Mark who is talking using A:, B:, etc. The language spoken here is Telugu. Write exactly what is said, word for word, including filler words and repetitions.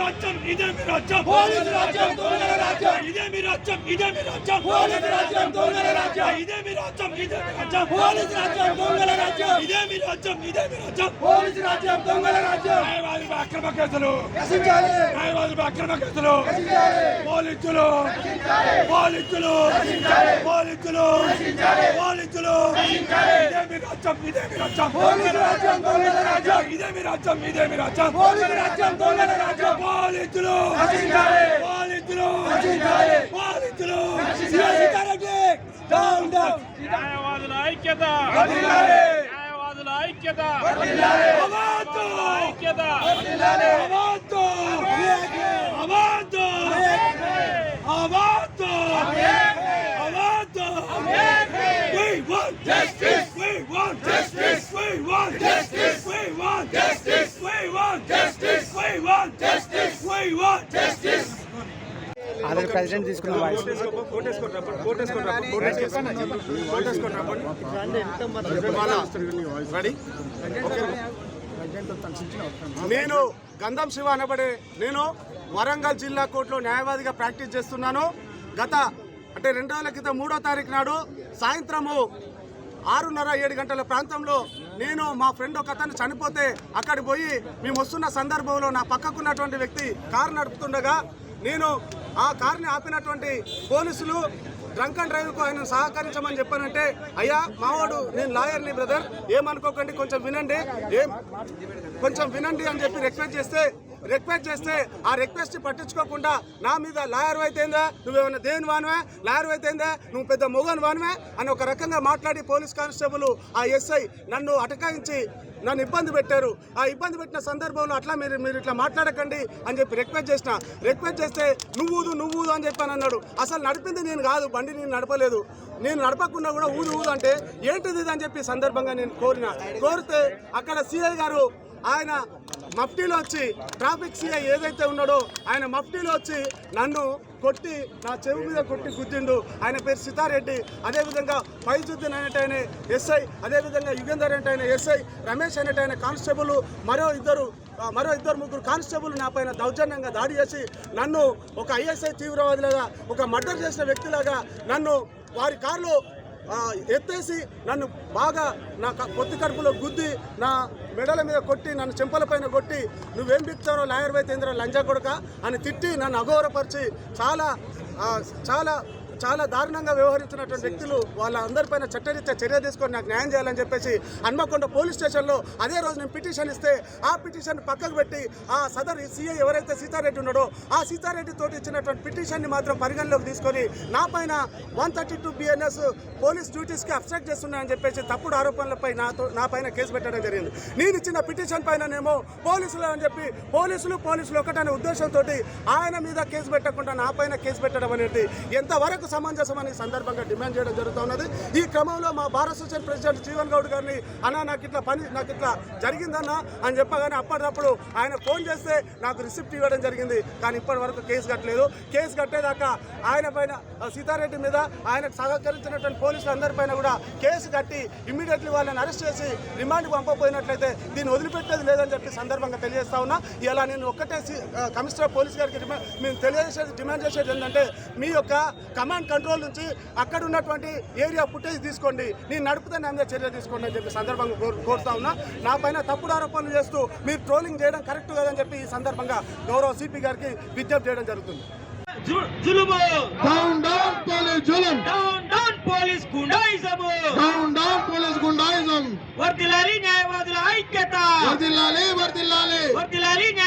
A: రాజ్యం ఇదే మీ రాజ్యం
B: పోలీసు రాజ్యం దొంగల రాజ్యం
A: ఇదే మీ రాజ్యం ఇదే మీ రాజ్యం
B: పోలీసు రాజ్యం దొంగల రాజ్యం
A: ఇదే మీ రాజ్యం ఇదే మీ రాజ్యం
B: పోలీసు రాజ్యం దొంగల రాజ్యం
A: ఇదే మీ రాజ్యం ఇదే మీ రాజ్యం
B: పోలీసు రాజ్యం దొంగల రాజ్యం
A: న్యాయవాదులపై అక్రమ కేసులు
B: రక్షించాలి
A: న్యాయవాదులపై అక్రమ కేసులు
B: రక్షించాలి
A: పోలీసులు పోలీసులు పోలీసులు పోలీసులు ఇదే మీ రాజ్యం ఇదే మీ రాజ్యం
B: పోలీసు రాజ్యం దొంగల రాజ్యం
A: ఇదే మీ రాజ్యం ఇదే మీ రాజ్యం
B: పోలీసు రాజ్యం దొంగల రాజ్యం
A: పోలీసులు
B: రక్షించాలి
A: పోలీసులు
B: రక్షించాలి
A: పోలీసులు
B: సీతారెడ్డి డౌన్ డౌన్
C: న్యాయవాదుల ఐక్యత
B: వర్ధిల్లాలి
C: న్యాయవాదుల ఐక్యత
B: వర్ధిల్లాలి
A: అవార్డు
C: ఐక్యత
B: వర్ధిల్లాలి
A: award award award award We want justice. We want justice. We want justice. We want justice. We want justice. We want justice. We want justice.
D: Already president తీసుకున్న వాయిస్
E: నేను గంధం శివ అనబడే నేను వరంగల్ జిల్లా కోర్టులో న్యాయవాదిగా ప్రాక్టీస్ చేస్తున్నాను. గత అంటే రెండు రోజుల క్రితం మూడో తారీఖు నాడు సాయంత్రము ఆరున్నర ఏడు గంటల ప్రాంతంలో నేను మా ఫ్రెండ్ ఒక అతను చనిపోతే అక్కడికి పోయి మేము వస్తున్న సందర్భంలో నా పక్కకున్నటువంటి వ్యక్తి కారు నడుపుతుండగా నేను ఆ కార్ని ఆపినటువంటి పోలీసులు డ్రంక్ అండ్ డ్రైవ్కు ఆయన సహకరించమని చెప్పానంటే, అయ్యా మావాడు నేను లాయర్ని బ్రదర్ ఏమనుకోకండి కొంచెం వినండి ఏం కొంచెం వినండి అని చెప్పి రిక్వెస్ట్ చేస్తే రిక్వెస్ట్ చేస్తే ఆ రిక్వెస్ట్ పట్టించుకోకుండా నా మీద లాయర్ అయితేందా నువ్వేమన్నా దేని వానవే లాయర్ అయితేందా నువ్వు పెద్ద మొగన్ వానవే అని ఒక రకంగా మాట్లాడి పోలీస్ కానిస్టేబుల్ ఆ ఎస్ఐ నన్ను అటకాయించి నన్ను ఇబ్బంది పెట్టారు. ఆ ఇబ్బంది పెట్టిన సందర్భంలో అట్లా మీరు మీరు ఇట్లా మాట్లాడకండి అని చెప్పి రిక్వెస్ట్ చేసిన రిక్వెస్ట్ చేస్తే నువ్వుదు నువ్వుదు అని చెప్పాను అన్నాడు. అసలు నడిపింది నేను కాదు, బండి నేను నడపలేదు, నేను నడపకుండా కూడా ఊదు ఊదు అంటే ఏంటిది ఇది అని చెప్పి సందర్భంగా నేను కోరిన కోరితే అక్కడ సిఐ గారు ఆయన మఫ్టీలో వచ్చి ట్రాఫిక్ సిఐ ఏదైతే ఉన్నాడో ఆయన మఫ్టీలో వచ్చి నన్ను కొట్టి నా చెవి మీద కొట్టి గుద్దిండు. ఆయన పేరు సీతారెడ్డి. అదేవిధంగా ఫైజుద్దీన్ అనేటైన ఎస్ఐ, అదేవిధంగా యుగేందర్ అనేటైన ఎస్ఐ, రమేష్ అనేటైన కానిస్టేబుల్, మరో ఇద్దరు మరో ఇద్దరు ముగ్గురు కానిస్టేబుల్ నా పైన దౌర్జన్యంగా దాడి చేసి నన్ను ఒక ఐఎస్ఐ తీవ్రవాదిలాగా ఒక మర్డర్ చేసిన వ్యక్తిలాగా నన్ను వారి కారులో ఎత్తేసి నన్ను బాగా నా పొత్తి కడుపులో గుద్ది నా మెడల మీద కొట్టి నన్ను చెంపల పైన కొట్టి నువ్వేం బిక్తారో లాయర్ వైతేంద్ర లంజా కొడక అని తిట్టి నన్ను అఘోరపరిచి చాలా చాలా చాలా దారుణంగా వ్యవహరించినటువంటి వ్యక్తులు వాళ్ళందరిపైన చట్టరీత్యా చర్య తీసుకొని నాకు న్యాయం చేయాలని చెప్పేసి హన్మకొండ పోలీస్ స్టేషన్లో అదే రోజు నేను పిటిషన్ ఇస్తే ఆ పిటిషన్ పక్కకు పెట్టి ఆ సదర్ సీఐ ఎవరైతే సీతారెడ్డి ఉన్నాడో ఆ సీతారెడ్డి తోటి ఇచ్చినటువంటి పిటిషన్ని మాత్రం పరిగణలోకి తీసుకొని నా పైన one thirty two BNS police డ్యూటీస్కి అబ్స్ట్రాక్ట్ చేస్తున్నాయని చెప్పేసి తప్పుడు ఆరోపణలపై నాతో నా పైన కేసు పెట్టడం జరిగింది. నేను ఇచ్చిన పిటిషన్ పైననేమో పోలీసులు అని చెప్పి పోలీసులు పోలీసులు ఒకటనే ఉద్దేశంతో ఆయన మీద కేసు పెట్టకుండా నా పైన కేసు పెట్టడం అనేది ఎంతవరకు సమంజసమని సందర్భంగా డిమాండ్ చేయడం జరుగుతున్నది. ఈ క్రమంలో మా భారత అసోసియేషన్ ప్రెసిడెంట్ జీవన్ గౌడ్ గారిని అన్న నాకు ఇట్లా పని నాకు ఇట్లా జరిగిందన్న అని చెప్పగానే అప్పటికప్పుడు ఆయన ఫోన్ చేస్తే నాకు రిసిప్ట్ ఇవ్వడం జరిగింది. కానీ ఇప్పటి వరకు కేసు కట్టలేదు. కేసు కట్టేదాకా ఆయన పైన సీతారెడ్డి మీద ఆయనకు సహకరించినటువంటి పోలీసులు అందరిపైన కూడా కేసు కట్టి ఇమ్మీడియట్లీ వాళ్ళని అరెస్ట్ చేసి రిమాండ్కి పంపకపోయినట్లయితే దీన్ని వదిలిపెట్టేది లేదని చెప్పి సందర్భంగా తెలియజేస్తా ఉన్నా. ఇలా నేను ఒక్కటే కమిషనర్ పోలీస్ గారికి మేము తెలియజేసేది డిమాండ్ చేసేది ఏంటంటే మీ యొక్క కమాండ్ కంట్రోల్ నుంచి అక్కడ ఉన్నటువంటి ఏరియా ఫుటేజ్ తీసుకోండి, నేను నడుపుతే నా మీద చర్య తీసుకోండి అని చెప్పి సందర్భంగా కోరుతా ఉన్నా. నా పైన తప్పుడు ఆరోపణలు చేస్తూ మీరు ట్రోలింగ్ చేయడం కరెక్ట్ కాదని చెప్పి ఈ సందర్భంగా గౌరవ సిపి గారికి విజ్ఞప్తి చేయడం జరుగుతుంది.
B: డౌన్ డౌన్ పోలీస్ జులుం
C: down down police goondaism
B: down down police goondaism
C: వర్ధిల్లాలి న్యాయవాదుల ఐక్యత
B: వర్ధిల్లాలి వర్ధిల్లాలి
C: వర్ధిల్లాలి